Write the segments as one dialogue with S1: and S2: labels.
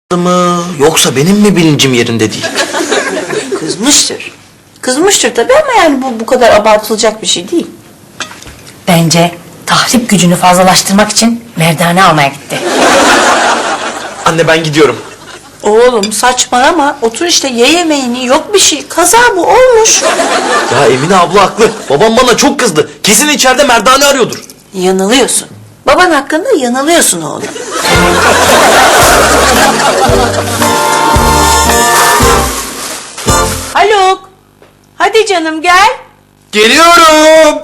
S1: mı yoksa benim mi bilincim yerinde değil?
S2: Kızmıştır. Kızmıştır tabii ama yani bu kadar abartılacak bir şey değil.
S3: Bence tahrip gücünü fazlalaştırmak için merdane almaya gitti.
S1: Anne ben gidiyorum.
S2: Oğlum saçmalama. Otur işte ye yemeğini. Yok bir şey. Kaza bu olmuş.
S1: Ya Emine abla haklı. Babam bana çok kızdı. Kesin içeride merdane arıyordur.
S2: Yanılıyorsun. Baban hakkında yanılıyorsun oğlum. Haluk. Hadi canım gel.
S1: Geliyorum.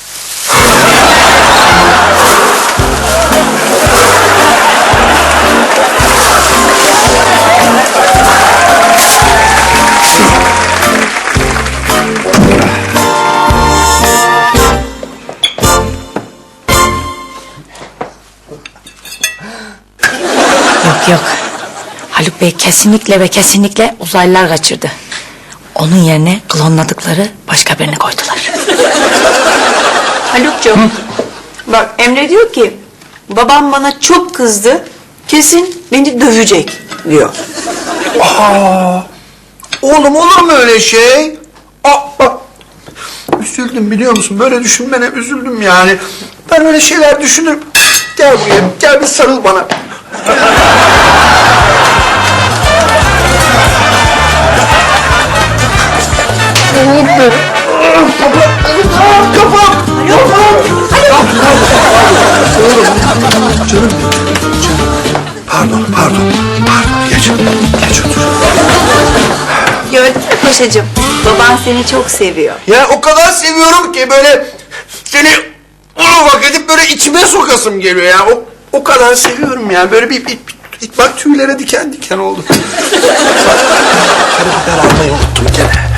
S3: Yok. Haluk Bey kesinlikle ve kesinlikle uzaylılar kaçırdı. Onun yerine klonladıkları başka birini koydular.
S2: Haluk'cum. Bak Emre diyor ki babam bana çok kızdı. Kesin beni dövecek diyor.
S4: Oğlum olur mu öyle şey? Bak. Üzüldüm biliyor musun? Böyle düşünmene üzüldüm yani. Ben öyle şeyler düşünürüm. Gel buraya, gel bir sarıl bana. Kafam! Canım. Pardon. Geç otur.
S2: Gördün mü paşacığım? Baban seni çok seviyor.
S4: Ya o kadar seviyorum ki böyle seni vak edip böyle içime sokasım geliyor ya. O kadar seviyorum ya. Böyle bir bak tüylere diken diken oldu. Karabiber almayı unuttum gene.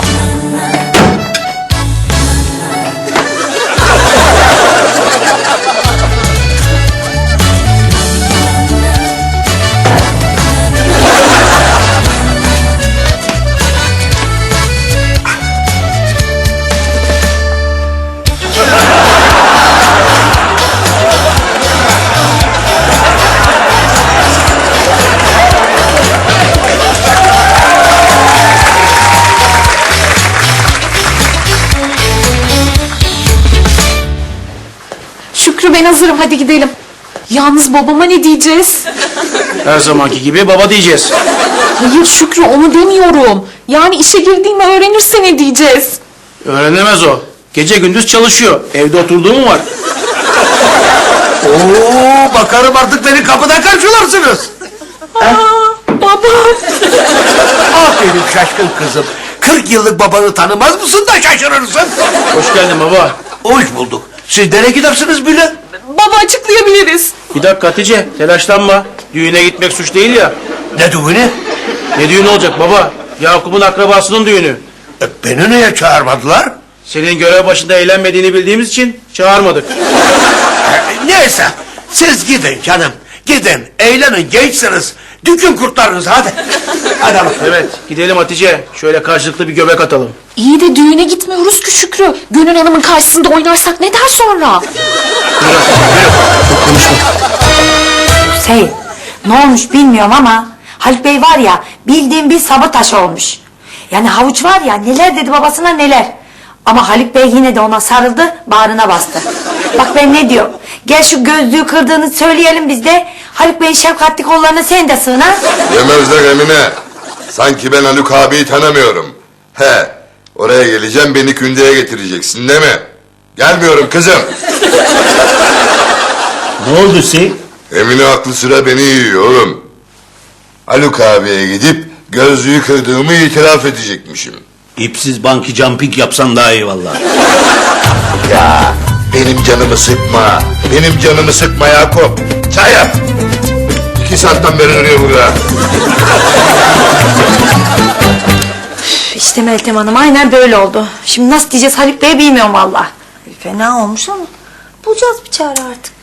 S5: Şükrü ben hazırım hadi gidelim. Yalnız babama ne diyeceğiz?
S6: Her zamanki gibi baba diyeceğiz.
S5: Hayır Şükrü onu demiyorum. Yani işe girdiğimi öğrenirse ne diyeceğiz?
S6: Öğrenemez o. Gece gündüz çalışıyor. Evde oturduğu mu var?
S4: Oo, bakarım artık beni kapıda karşılarsınız.
S5: Baba.
S4: Aferin şaşkın kızım. 40 yıllık babanı tanımaz mısın da şaşırırsın.
S6: Hoş geldin baba.
S4: Hoş bulduk. Siz nereye gidersiniz bile?
S5: Baba açıklayabiliriz.
S6: Bir dakika Hatice, telaşlanma. Düğüne gitmek suç değil ya.
S4: Ne düğünü?
S6: Ne düğünü olacak baba? Yakup'un akrabasının düğünü.
S4: Beni niye çağırmadılar?
S6: Senin görev başında eğlenmediğini bildiğimiz için çağırmadık.
S4: Neyse siz gidin canım. Gidin eğlenin gençsiniz. Dükün kurtlarınız hadi. Hadi bakalım.
S6: Evet, gidelim Hatice. Şöyle karşılıklı bir göbek atalım.
S5: İyi de düğüne gitmiyoruz ki Şükrü. Gönül Hanım'ın karşısında oynarsak ne der sonra?
S3: Hüseyin ne olmuş bilmiyorum ama Haluk Bey var ya bildiğin bir sabotaj olmuş. Yani havuç var ya neler dedi babasına neler. Ama Haluk Bey yine de ona sarıldı bağrına bastı. Bak ben ne diyorum. Gel şu gözlüğü kırdığını söyleyelim biz de. Haluk Bey'in şefkatli kollarına sen de sığın ha.
S7: Yemezler Emine. Sanki ben Haluk abiyi tanımıyorum. He, oraya geleceğim beni kündeye getireceksin değil mi? Gelmiyorum kızım.
S6: Ne oldu Hüseyin?
S7: Emine aklı sıra beni yiyor oğlum. Haluk abiye gidip gözlüğü kırdığımı itiraf edecekmişim.
S8: İpsiz banki jumping yapsan daha iyi vallahi.
S7: Ya benim canımı sıkma. Benim canımı sıkma Yakup. Çay yap. 2 saatten beri duruyor burada.
S3: İşte Meltem Hanım aynen böyle oldu. Şimdi nasıl diyeceğiz Haluk Bey'e bilmiyorum valla.
S2: Fena olmuş ama bulacağız bir çare artık.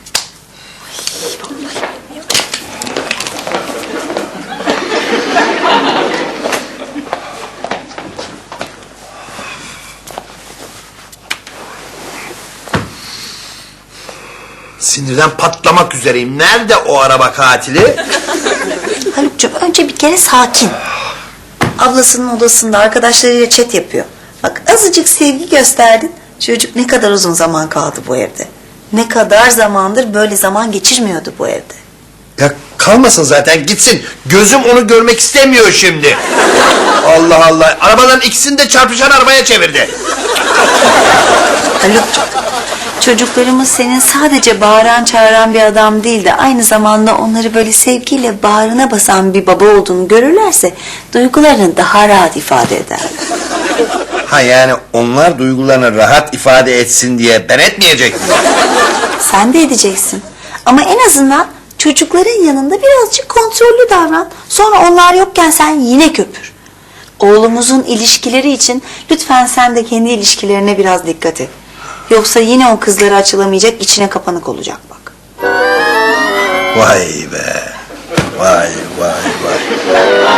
S4: Sinirden patlamak üzereyim. Nerede o araba katili?
S9: Haluk'cum önce bir kere sakin. Ablasının odasında arkadaşlarıyla chat yapıyor. Bak azıcık sevgi gösterdin. Çocuk ne kadar uzun zaman kaldı bu evde. Ne kadar zamandır böyle zaman geçirmiyordu bu evde.
S4: Ya kalmasın zaten gitsin. Gözüm onu görmek istemiyor şimdi. Allah Allah. Arabaların ikisini de çarpışan arabaya çevirdi.
S9: Haluk'cum çocuklarımız senin sadece bağıran çağıran bir adam değil de aynı zamanda onları böyle sevgiyle bağrına basan bir baba olduğunu görürlerse duygularını daha rahat ifade eder.
S4: Ha yani onlar duygularını rahat ifade etsin diye ben etmeyecek miyim?
S9: Sen de edeceksin. Ama en azından çocukların yanında birazcık kontrollü davran. Sonra onlar yokken sen yine köpür. Oğlumuzun ilişkileri için lütfen sen de kendi ilişkilerine biraz dikkat et. Yoksa yine o kızlara açılamayacak, içine kapanık olacak bak.
S4: Vay be. Vay vay vay.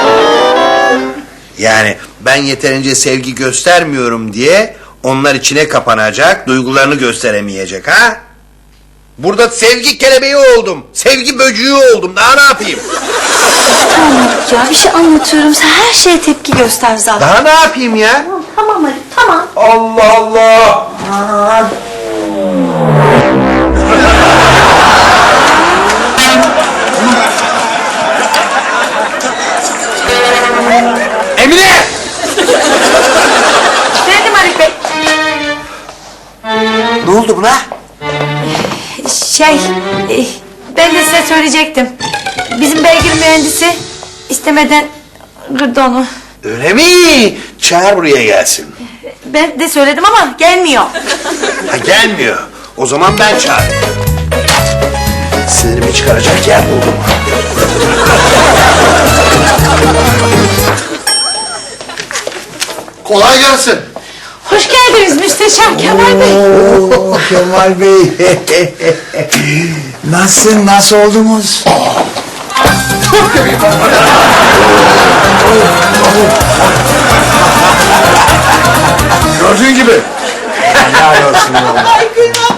S4: Yani ben yeterince sevgi göstermiyorum diye onlar içine kapanacak, duygularını gösteremeyecek ha? Burada sevgi kelebeği oldum. Sevgi böcüğü oldum. Daha ne yapayım?
S9: Tamam ya bir şey anlatıyorum. Sen her şeye tepki göster zaten.
S4: Daha ne yapayım ya?
S9: Tamam Ali tamam.
S4: Allah Allah.
S9: Aman.
S4: Emine!
S3: Geldim Haluk Bey.
S4: Ne oldu buna?
S3: Ben de size söyleyecektim. Bizim beygir mühendisi istemeden kırdı onu.
S4: Öyle mi? Çağır buraya gelsin.
S3: Ben de söyledim ama gelmiyor.
S4: Ha gelmiyor. O zaman ben çağırayım. Sinirimi çıkaracak yer buldum.
S7: Kolay gelsin.
S5: Hoş geldiniz Müsteşem Kemal Bey.
S10: Oo, Kemal Bey. Nasıl oldunuz?
S7: Gördüğün gibi.
S10: Helal olsun vallahi.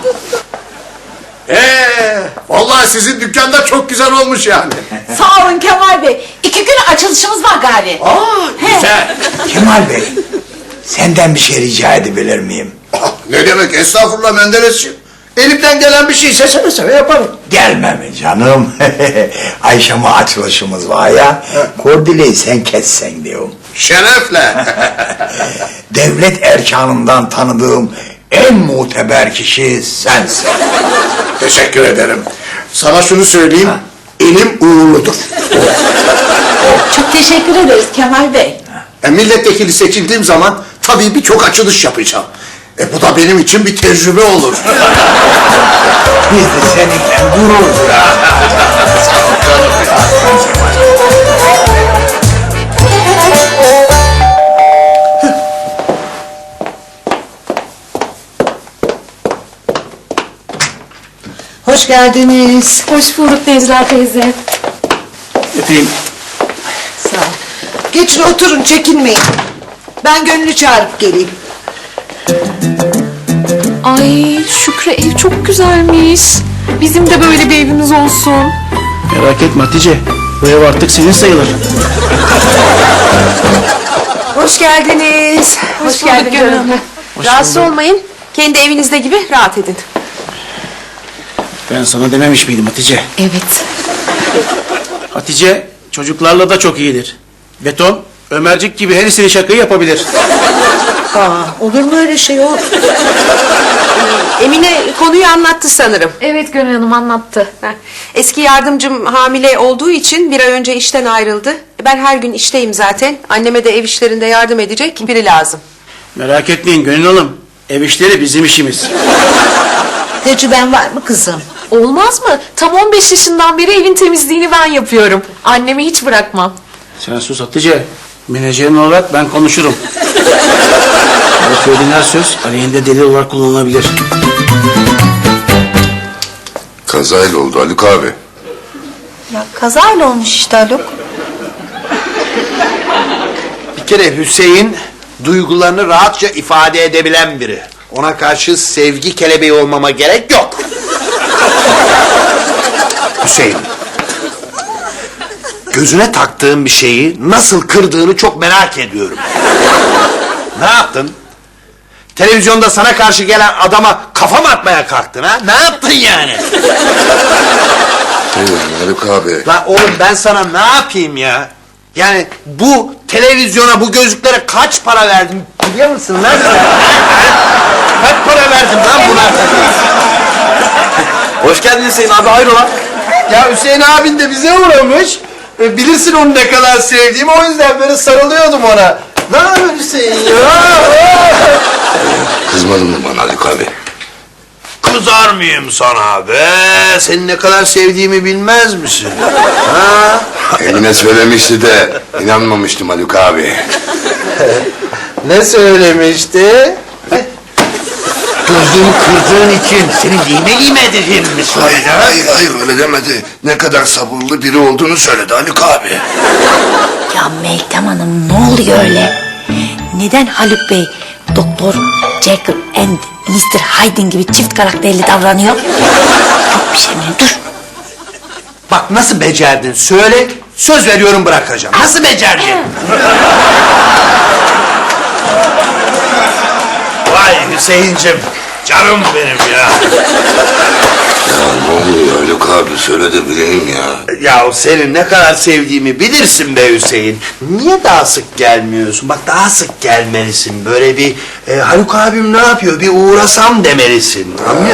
S7: Vallahi sizin dükkanda çok güzel olmuş yani.
S5: Sağ olun Kemal Bey. 2 gün açılışımız var gari.
S7: Güzel.
S10: Kemal Bey, senden bir şey rica edebilir miyim?
S7: Ne demek estağfurullah Menderesciğim. Elimden gelen bir şeyse seve seve yaparım.
S10: Gelme mi canım? Ayşem'e açılışımız var ya. Kordeleyi sen kessen diyorum.
S7: Şerefle.
S10: Devlet erkanından tanıdığım en muteber kişi sensin.
S7: Teşekkür ederim. Sana şunu söyleyeyim. Elim uğurludur.
S5: Çok teşekkür ederiz Kemal Bey.
S7: Milletvekili seçildiğim zaman tabii birçok açılış yapacağım. Bu da benim için bir tecrübe olur.
S10: Biz de seninle gurur duyarız.
S11: Hoş geldiniz.
S5: Hoş bulduk Necla teyze.
S6: Öpeyim.
S11: Sağ ol. Geçin oturun, çekinmeyin. Ben Gönül'ü çağırıp geleyim.
S5: Ay Şükrü ev çok güzelmiş. Bizim de böyle bir evimiz olsun.
S6: Merak etme Hatice. Bu ev artık senin sayılır.
S11: Hoş geldiniz.
S5: Hoş geldin Gönül.
S2: Rahatsız olmayın. Kendi evinizde gibi rahat edin.
S6: Ben sana dememiş miydim Hatice?
S5: Evet.
S6: Hatice çocuklarla da çok iyidir. Beton, Ömercik gibi her istediği şakayı yapabilir.
S11: Olur mu öyle şey o?
S2: Emine konuyu anlattı sanırım.
S5: Evet Gönül Hanım anlattı.
S2: Eski yardımcım hamile olduğu için bir ay önce işten ayrıldı. Ben her gün işteyim zaten. Anneme de ev işlerinde yardım edecek biri lazım.
S6: Merak etmeyin Gönül Hanım. Ev işleri bizim işimiz.
S11: Tecrüben var mı kızım?
S5: Olmaz mı? Tam 15 yaşından beri evin temizliğini ben yapıyorum. Annemi hiç bırakmam.
S6: Sen sus Hatice. Menajerin olarak ben konuşurum. O söylediğin her söz aleyhinde delil olarak kullanılabilir.
S7: Kazayla oldu Haluk abi.
S9: Ya kazayla olmuş işte Haluk.
S4: Bir kere Hüseyin duygularını rahatça ifade edebilen biri. Ona karşı sevgi kelebeği olmama gerek yok.
S7: Hüseyin.
S4: gözüne taktığın bir şeyi nasıl kırdığını çok merak ediyorum. Ne yaptın? Televizyonda sana karşı gelen adama kafa mı atmaya kalktın ha? Ne yaptın yani?
S7: Haluk abi.
S4: La oğlum ben sana ne yapayım ya? Yani bu televizyona, bu gözlüklere kaç para verdim biliyor musun lan sen? Kaç para verdim lan buna?
S1: Hoş geldin Hüseyin abi, hayrola?
S4: Ya Hüseyin abin de bize uğramış. Bilirsin onu ne kadar sevdiğimi, o yüzden böyle sarılıyordum ona. Ne yapıyorsun Hüseyin ya?
S7: Kızmadın mı bana Haluk abi?
S4: Kızar mıyım sana be? Seni ne kadar sevdiğimi bilmez misin? Ha?
S7: Eline söylemişti de inanmamıştım Haluk abi.
S4: Ne söylemişti? Gözlüğümü kırdığın için seni lime edeceğim mi söyledi?
S7: Hayır öyle demedi. Ne kadar sabırlı biri olduğunu söyledi Haluk abi.
S3: Ya Meltem Hanım ne oluyor öyle? Neden Haluk Bey Doktor Jekyll and Mr. Hyde gibi çift karakterli davranıyor? Yok bir şey mi? Dur.
S4: Bak nasıl becerdin söyle, söz veriyorum bırakacağım. Nasıl becerdin? Vay Hüseyin'cim, canım benim ya.
S7: Ya ne oluyor Haluk abi söyle de bileyim ya.
S4: Ya senin ne kadar sevdiğimi bilirsin be Hüseyin. Niye daha sık gelmiyorsun? Bak daha sık gelmelisin. Böyle bir Haluk abim ne yapıyor? Bir uğrasam demelisin. Anlıyor